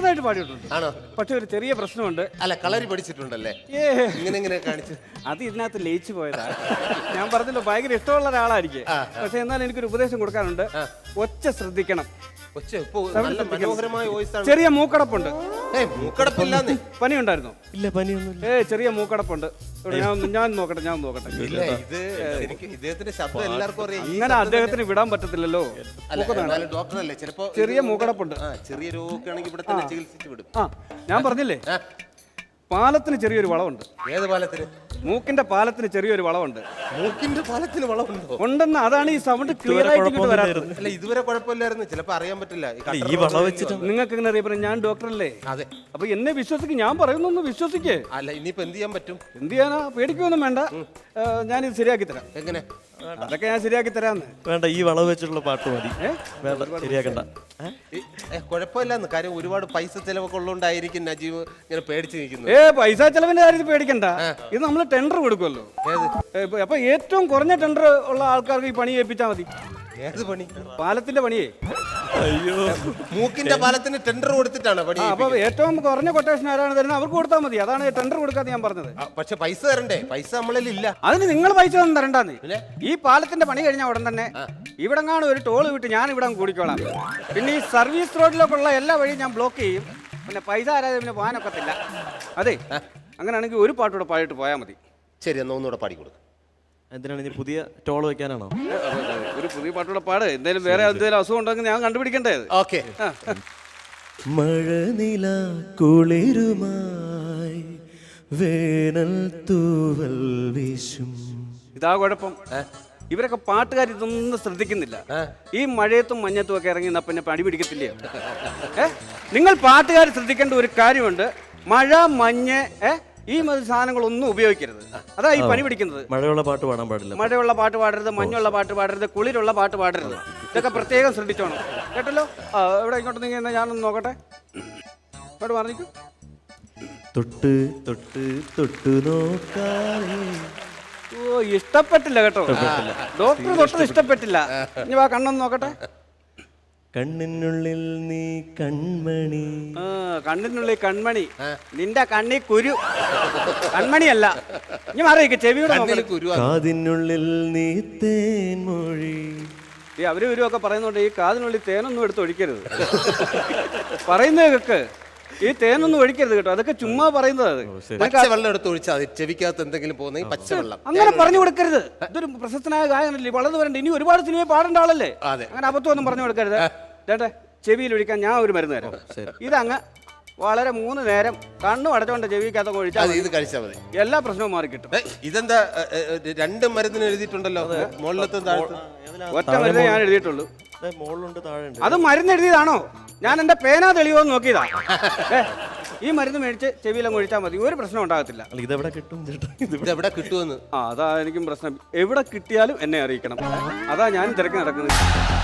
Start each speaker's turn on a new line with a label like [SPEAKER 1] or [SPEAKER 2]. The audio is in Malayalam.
[SPEAKER 1] നന്നായിട്ട് പാടിയിട്ടുണ്ട്.
[SPEAKER 2] ആണോ?
[SPEAKER 1] പക്ഷെ ഒരു ചെറിയ പ്രശ്നമുണ്ട്.
[SPEAKER 2] അല്ല, കളരി പഠിച്ചിട്ടുണ്ടല്ലേ? ഇങ്ങനെ കാണിച്ചു.
[SPEAKER 1] അത് ഇതിനകത്ത് ലയിച്ചു പോയതാ. ഞാൻ പറഞ്ഞല്ലോ ഭയങ്കര ഇഷ്ടമുള്ള ഒരാളായിരിക്കും. പക്ഷെ എന്നാൽ എനിക്കൊരു ഉപദേശം കൊടുക്കാനുണ്ട്. ഒച്ച ശ്രദ്ധിക്കണം.
[SPEAKER 2] മനോഹരമായ വോയിസ് ആണ്.
[SPEAKER 1] ചെറിയ മൂക്കടപ്പുണ്ട്.
[SPEAKER 2] മൂക്കടപ്പില്ലാന്ന്.
[SPEAKER 1] പനി ഉണ്ടായിരുന്നോ?
[SPEAKER 3] ഇല്ല, പനിയൊന്നുമില്ല.
[SPEAKER 1] ചെറിയ മൂക്കടപ്പുണ്ട്. ഞാൻ നോക്കട്ടെ.
[SPEAKER 2] ഇദ്ദേഹത്തിന്റെ ശബ്ദം എല്ലാവർക്കും അറിയാം.
[SPEAKER 1] അങ്ങനെ അദ്ദേഹത്തിന് വിടാൻ പറ്റത്തില്ലല്ലോ.
[SPEAKER 2] ഡോക്ടറല്ലേ, ചിലപ്പോ
[SPEAKER 1] ചെറിയ മൂക്കടപ്പുണ്ട്.
[SPEAKER 2] ചെറിയ രോഗമാണെങ്കിൽ ഇവിടെ തന്നെ ചികിത്സിച്ച് വിടും.
[SPEAKER 1] ഞാൻ പറഞ്ഞില്ലേ, പാലത്തിന് ചെറിയൊരു വളവുണ്ട്.
[SPEAKER 2] ഏത് പാലത്തിന്?
[SPEAKER 1] മൂക്കിന്റെ പാലത്തിന് ചെറിയൊരു വളവുണ്ട്.
[SPEAKER 2] മൂക്കിന്റെ പാലത്തിന് വളവുണ്ടോ?
[SPEAKER 1] ഉണ്ടെന്ന്. അതാണ് ഈ സൗണ്ട് ക്ലിയർ ആയിട്ട് വരാത്തത്.
[SPEAKER 2] അല്ല, ഇതുവരെ കുഴപ്പമില്ലായിരുന്നു. ചിലപ്പോ അറിയാൻ പറ്റില്ല.
[SPEAKER 3] ഈ വളവ് വെച്ചിട്ട്
[SPEAKER 1] നിങ്ങൾക്ക് എങ്ങനെ അറിയപ്പെടും? ഞാൻ ഡോക്ടറല്ലേ?
[SPEAKER 2] അതെ.
[SPEAKER 1] അപ്പൊ എന്നെ വിശ്വസിക്കും. ഞാൻ പറയുന്നൊന്ന് വിശ്വസിക്കേ.
[SPEAKER 2] അല്ല, ഇനിയിപ്പോ എന്ത് ചെയ്യാൻ പറ്റും?
[SPEAKER 1] എന്ത് ചെയ്യാനാ? പേടിക്കൊന്നും വേണ്ട. ഞാനിത് ശരിയാക്കി തരാം.
[SPEAKER 2] എങ്ങനെ?
[SPEAKER 1] അതൊക്കെ ഞാൻ ശരിയാക്കി തരാന്ന്.
[SPEAKER 3] വേണ്ട, ഈ വളവ് വെച്ചിട്ടുള്ള പാട്ട് മതി. വേണ്ട, ശരിയാക്കണ്ട.
[SPEAKER 2] കുഴപ്പമില്ലാന്ന്. കാര്യം ഒരുപാട് പൈസ ചെലവൊക്കെ ഉള്ളതുകൊണ്ടായിരിക്കും നജീബ് ഇങ്ങനെ പേടിച്ച് നിൽക്കുന്നത്.
[SPEAKER 1] പൈസ ചെലവിന്റെ കാര്യത്തിൽ പേടിക്കണ്ട. ഇത് നമ്മൾ ടെൻഡർ കൊടുക്കുമല്ലോ. അപ്പൊ ഏറ്റവും കുറഞ്ഞ ടെൻഡർ ഉള്ള ആൾക്കാർക്ക് ഈ പണി ഏൽപ്പിച്ചാൽ മതി.
[SPEAKER 2] ഏത് പണി?
[SPEAKER 1] പാലത്തിന്റെ പണിയേ.
[SPEAKER 3] അയ്യോ,
[SPEAKER 2] മൂക്കിന്റെ പാലത്തിന് ടെൻഡർ കൊടുത്തിട്ടാണ് പണി.
[SPEAKER 1] അപ്പൊ ഏറ്റവും കുറഞ്ഞ കൊട്ടേഷൻ ആരാണ് തരുന്നത് അവർക്ക് കൊടുത്താൽ മതി. അതാണ് ടെൻഡർ കൊടുക്കാതെ ഞാൻ പറഞ്ഞത്.
[SPEAKER 2] പക്ഷെ പൈസ തരണ്ടേ? പൈസ നമ്മളിൽ ഇല്ല.
[SPEAKER 1] അതിന് നിങ്ങൾ പൈസ ഒന്നും തരണ്ടാന്ന്. ഈ പാലത്തിന്റെ പണി കഴിഞ്ഞ ഉടൻ തന്നെ ഇവിടെങ്ങാണ് ഒരു ടോള് വിട്ട് ഞാൻ ഇവിടെ കൂടിക്കോളാം. പിന്നെ ഈ സർവീസ് റോഡിലേക്കുള്ള എല്ലാ വഴിയും ഞാൻ ബ്ലോക്ക് ചെയ്യും. പിന്നെ പൈസ ആരാതെ പിന്നെ പോകാനൊക്കത്തില്ല. അതെ, അങ്ങനെയാണെങ്കിൽ ഒരു പാട്ടൂടെ പാടിയിട്ട് പോയാൽ മതി.
[SPEAKER 2] ശരി, എന്നാ ഒന്നുകൂടെ പാടിക്കൊടുക്കും.
[SPEAKER 3] എന്തിനാണ് ഇനി പുതിയ ടോൾ വെക്കാനാണോ?
[SPEAKER 1] ഒരു പുതിയ പാട്ടൂടെ പാട്. എന്തായാലും വേറെ എന്തെങ്കിലും അസുഖം ഉണ്ടെങ്കിൽ ഞാൻ കണ്ടുപിടിക്കണ്ടേ?
[SPEAKER 2] ഓക്കെ.
[SPEAKER 3] മഴനില കുളിരുമായി വേനൽ തൂവൽ വീശും.
[SPEAKER 1] ഇതാ കുഴപ്പം. ഇവരൊക്കെ പാട്ടുകാർ ഇതൊന്നും ശ്രദ്ധിക്കുന്നില്ല. ഈ മഴയത്തും മഞ്ഞത്തും ഒക്കെ ഇറങ്ങി പിന്നെ പണി പിടിക്കത്തില്ലയോ? നിങ്ങൾ പാട്ടുകാർ ശ്രദ്ധിക്കേണ്ട ഒരു കാര്യമുണ്ട്. മഴ, മഞ്ഞ്, ഈ സാധനങ്ങളൊന്നും ഉപയോഗിക്കരുത്. അതാ ഈ പണി പിടിക്കുന്നത്.
[SPEAKER 3] മഴയുള്ള പാട്ട് പാടാൻ പാടില്ല.
[SPEAKER 1] മഴയുള്ള പാട്ട് പാടരുത്, മഞ്ഞുള്ള പാട്ട് പാടരുത്, കുളിരുള്ള പാട്ട് പാടരുത്. ഇതൊക്കെ പ്രത്യേകം ശ്രദ്ധിച്ചോണം. കേട്ടല്ലോ? എവിടെ ഇങ്ങോട്ട് നീങ്ങി ഞാനൊന്ന് നോക്കട്ടെ. ഇങ്ങോട്ട് പറഞ്ഞിക്കൂ.
[SPEAKER 3] തൊട്ട് തൊട്ട് തൊട്ടു നോക്കാതെ.
[SPEAKER 1] ഇഷ്ടപ്പെട്ടില്ല കേട്ടോ. ഡോക്ടർ തൊട്ടത് ഇഷ്ടപ്പെട്ടില്ല. ഇനി വാ, കണ്ണൊന്ന് നോക്കട്ടെ.
[SPEAKER 3] കണ്ണിനുള്ളിൽ നീ കൺമണി.
[SPEAKER 1] കണ്ണിനുള്ളിൽ കൺമണി. നിന്റെ കണ്ണി കുരു. കൺമണിയല്ല. ഇനി മാറിയിരിക്കെ ചെവിയുടെ
[SPEAKER 3] കാതിനുള്ളിൽ നീ തേൻമൊഴി.
[SPEAKER 1] അവരും ഇവരും ഒക്കെ പറയുന്നുണ്ട് ഈ കാതിനുള്ളിൽ തേനൊന്നും എടുത്ത് ഒഴിക്കരുത്. പറയുന്നതൊക്കെ ഈ തേനൊന്നും ഒഴിക്കരുത് കേട്ടോ. അതൊക്കെ ചുമ്മാ പറയുന്നത്.
[SPEAKER 2] പച്ചവെള്ളം എടുത്ത് ഒഴിച്ചാൽ ചെവിക്കകത്ത് എന്തെങ്കിലും പോകുന്ന പച്ചവെള്ളം
[SPEAKER 1] അങ്ങനെ പറഞ്ഞു കൊടുക്കരുത്. ഇതൊരു പ്രശസ്തനായ ഗായകനല്ലേ, വളർന്നു വരണ്ട. ഇനി ഒരുപാട് സിനിമ പാടേണ്ട ആളല്ലേ. അങ്ങനെ അബദ്ധമൊന്നും പറഞ്ഞു കൊടുക്കരുത്. ചേട്ടാ, ചെവിയിൽ ഒഴിക്കാൻ ഞാൻ ഒരു മരുന്ന് തരാം. ഇതങ്ങ് വളരെ 3 നേരം കണ്ണും അടച്ചോണ്ട് ചെവിക്കകത്ത് ഒഴിച്ചാൽ
[SPEAKER 2] ഇത് കഴിച്ചാൽ മതി.
[SPEAKER 1] എല്ലാ പ്രശ്നവും മാറി കിട്ടും.
[SPEAKER 2] ഇതെന്താ 2 മരുന്നിന് എഴുതിയിട്ടുണ്ടല്ലോ? മുകളിലത്തും താഴത്തും
[SPEAKER 1] ഒറ്റ മരുന്ന് ഞാൻ എഴുതിയിട്ടുള്ളൂ.
[SPEAKER 3] താഴെ
[SPEAKER 1] അത് മരുന്ന് എഴുതിയതാണോ? ഞാൻ എന്റെ പേന തെളിവോ നോക്കിയതാ. ഈ മരുന്ന് മേടിച്ച് ചെവിയിലങ്ങ് ഒഴിച്ചാൽ മതി. ഒരു പ്രശ്നം ഉണ്ടാകത്തില്ല.
[SPEAKER 3] ഇതെവിടെ കിട്ടും?
[SPEAKER 2] ഇതെവിടെ കിട്ടുമെന്ന്?
[SPEAKER 1] അതാ എനിക്കും പ്രശ്നം. എവിടെ കിട്ടിയാലും എന്നെ അറിയിക്കണം. അതാ ഞാൻ തിരക്ക് നടക്കുന്നത്.